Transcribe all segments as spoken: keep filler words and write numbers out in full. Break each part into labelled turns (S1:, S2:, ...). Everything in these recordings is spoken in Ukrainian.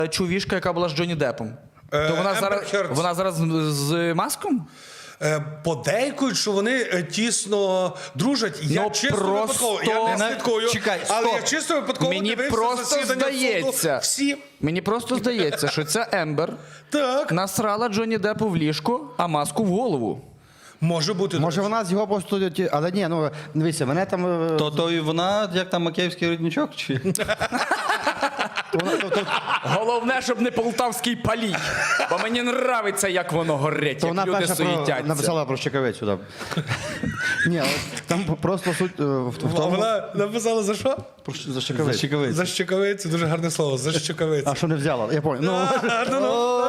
S1: чувішка, яка була з Джонні Деппом.
S2: Е,
S1: То вона
S2: Ембер
S1: зараз,
S2: Хердс.
S1: вона зараз з, з маском?
S2: Е, Подейкують, що вони е, тісно дружать. Я
S1: Ну,
S2: чисто
S1: просто-
S2: випадково, я не слідкую,
S1: Чекай,
S2: але
S1: стоп.
S2: я чисто випадково
S1: Мені
S2: дивився
S1: просто
S2: засідання
S1: здається.
S2: суду. Всі.
S1: Мені просто здається, що ця Ембер
S2: Так.
S1: насрала Джонні Деппу в ліжко, а маску в голову.
S2: Може бути. до
S3: Може
S2: речі.
S3: вона з його просто... ті- Але ні, ну дивіться, мене там... е,
S4: То, то і вона, як там Макеївський родничок? Чи?
S3: вона- то- то-
S1: Головне, щоб не полтавський палій. Бо мені нравиться, як воно горить,
S3: То
S1: як
S3: вона
S1: люди
S3: перша про,
S1: суїтяться.
S3: написала про Щекавицю. Да. Ні, але там просто суть е, в, в
S2: А
S3: тому...
S2: вона написала за що?
S3: Про, щ- за Щекавицю.
S4: Чекавиць.
S2: За щекавицю, дуже гарне слово. За щекавицю.
S3: А що не взяла? Я пам'ятаю. Ну,
S2: А, ну, ну.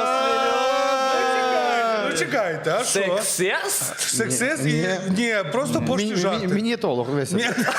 S2: Ну чекайте, а що?
S1: Сексист?
S2: Сексист? І...
S3: Ні.
S2: Ні, просто
S3: мі-
S2: пошті
S3: мі-
S2: жарти.
S3: мініатолог весь.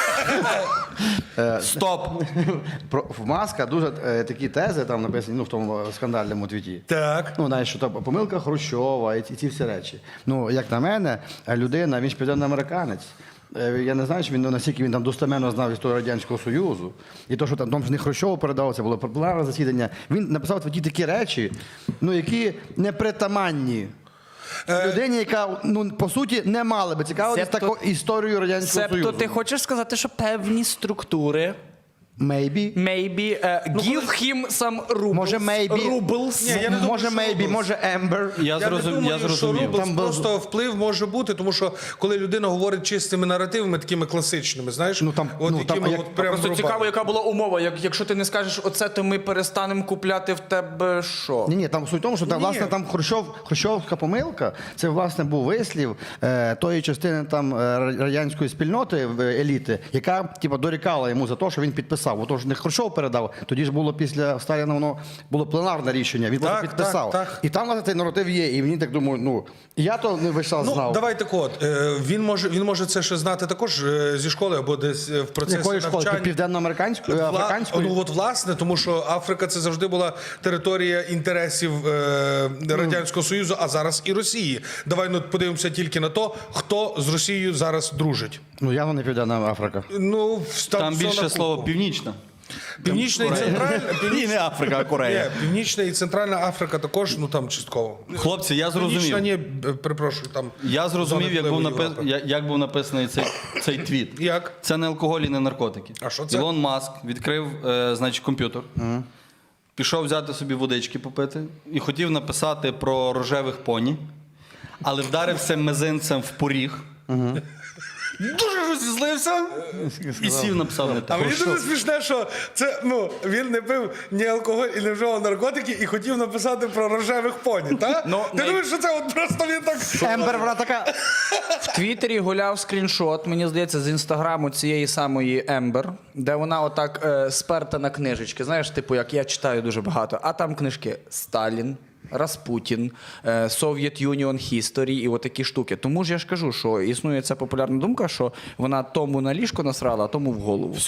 S4: Стоп!
S3: Про в Маска дуже е, такі тези там написані, ну в тому е, скандальному твіті.
S2: Так.
S3: Ну, знаєш, що там помилка Хрущова і ці, ці всі речі. Ну, як на мене, е, людина, він ж південноамериканець. Е, Я не знаю, чи він ну, наскільки він там достеменно знав історію Радянського Союзу. І то, що там, там ж не Хрущову передав, це було популярне засідання. Він написав в твіті такі речі, ну, які непритаманні. Людині, яка, ну, по суті, не мала би цікавитися
S1: Себто-
S3: такою історією Радянського
S1: Себто
S3: Союзу.
S1: ти хочеш сказати, що певні структури
S3: Maybe.
S1: maybe uh, give him some rubles.
S3: Може, maybe.
S1: Rubles.
S2: Ні, я не думаю,
S3: може,
S2: що
S3: maybe,
S2: Рублс.
S3: може, Ембер.
S4: Я,
S2: Я
S4: зрозум...
S2: не думаю,
S4: я зрозумів.
S2: що Рублс
S3: Там був-
S2: просто вплив може бути, тому що коли людина говорить чистими наративами, такими класичними, знаєш,
S3: Ну, там-
S2: от
S3: ну, там,
S2: якими
S3: а як-
S2: от прям
S1: Просто
S2: врубали.
S1: цікаво, яка була умова. Як, якщо ти не скажеш оце, то ми перестанемо купляти в тебе що?
S3: Ні, ні, там суть в тому, що там,
S2: Ні.
S3: власне, там Хрущов, Хрущовська помилка, це, власне, був вислів е, тої частини там е, радянської спільноти, в- еліти, яка, типу, дорікала йому за те, що він підписав. Отож, не Хрущов передав, тоді ж було після Сталіна, воно було пленарне рішення, він просто
S2: Так,
S3: підписав.
S2: так, так.
S3: І там, власне, цей наратив є, і мені так думаю, ну, я то не весь час
S2: Ну,
S3: знав.
S2: давайте от, е, він може, він може це ще знати також е, зі школи або десь е, в процесі
S3: Якої школи?
S2: навчання.
S3: Південноамериканської?
S2: Вла-
S3: Африканської?
S2: Ну от власне, тому що Африка це завжди була територія інтересів е, Радянського Союзу, а зараз і Росії. Давай ну, подивимося тільки на то, хто з Росією зараз дружить.
S3: Ну, явно не Південна Африка.
S2: Ну, в- там,
S4: Там
S2: все на
S4: більше
S2: купу.
S4: слово північна.
S2: Північна і центральна.
S4: І не Африка, а Корея.
S2: Ні, Північна і Центральна Африка також, ну там частково.
S4: Хлопці, я
S2: Північна,
S4: зрозумів.
S2: ні, е, перепрошую, там.
S4: Я зрозумів,
S2: зона
S4: як був,
S2: впливу
S4: напис...
S2: Європи.
S4: я- як був написаний цей, цей твіт.
S2: Як?
S4: Це не алкоголь і не наркотики.
S2: А що це?
S4: Ілон Маск відкрив, е, значить, комп'ютер, пішов взяти собі водички попити і хотів написати про рожевих поні, але вдарився мизинцем в поріг. Дуже розізлився і сів написав не
S2: А
S4: так.
S2: мені дуже смішне, що це ну він не пив ні алкоголь і не вживав наркотики і хотів написати про рожевих поні, так?
S1: Ну,
S2: Ти
S1: най-
S2: думаєш, що це от просто він так.
S3: Ембер, вона така...
S1: В Твіттері гуляв скріншот, мені здається, з інстаграму цієї самої Ембер, де вона отак е, сперта на книжечки. Знаєш, типу, як я читаю дуже багато, а там книжки Сталін, Распутін, е, Soviet Union History і отакі штуки. Тому ж я ж кажу, що існує ця популярна думка, що вона тому на ліжко насрала, а тому в голову.